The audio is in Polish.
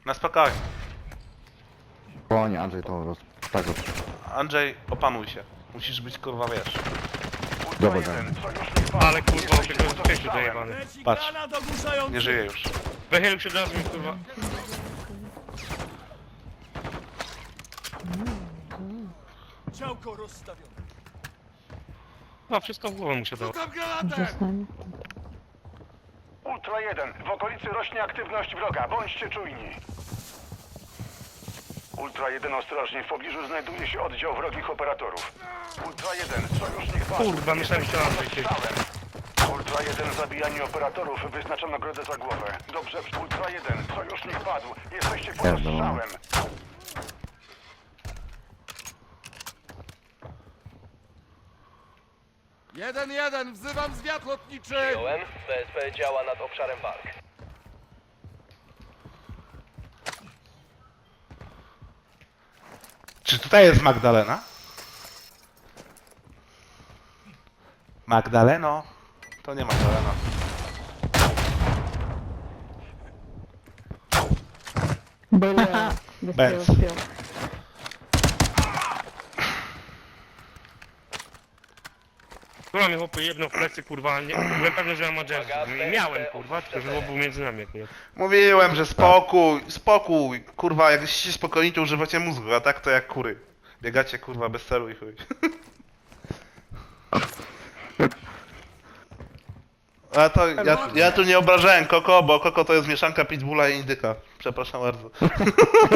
Na spokojnie. Spokojnie, Andrzej to tak roz... Andrzej, opanuj się. Musisz być kurwa, wiesz. Dobra, Ale kurwa, tego jest piękny dojebany. Patrz. Nie żyje już. Wychylił się od razu mi kurwa. Działko rozstawione. A wszystko w głowę mu się dało. Rzucam granatę! Zostań. Ultra 1, w okolicy rośnie aktywność wroga, bądźcie czujni. Ultra 1, ostrożnie, w pobliżu znajduje się oddział wrogich operatorów. Ultra 1, sojusznik padł. Kurwa, myślałem, że Jesteście Andrzej pod się- strzałem. Ultra 1, zabijanie operatorów, wyznacza nagrodę za głowę. Dobrze, Ultra 1, sojusznik padł, jesteście pod Pierdolę. strzałem. Jeden, wzywam zwiat lotniczy! Przyjąłem. BSP działa nad obszarem walk. Czy tutaj jest Magdalena? Magdaleno? To nie Magdalena. Byle. Benz. Kurwa mnie chłopy jedno w plecy kurwa, nie, byłem pewny, że mam Majesty. I miałem kurwa, tylko że był między nami akurat. Mówiłem, że spokój, spokój. Kurwa, jak jesteście spokojni, to używacie mózgu, a tak to jak kury. Biegacie kurwa bez celu i chuj. A to ja tu nie obrażałem Koko, bo Koko to jest mieszanka pitbulla i indyka. Przepraszam bardzo.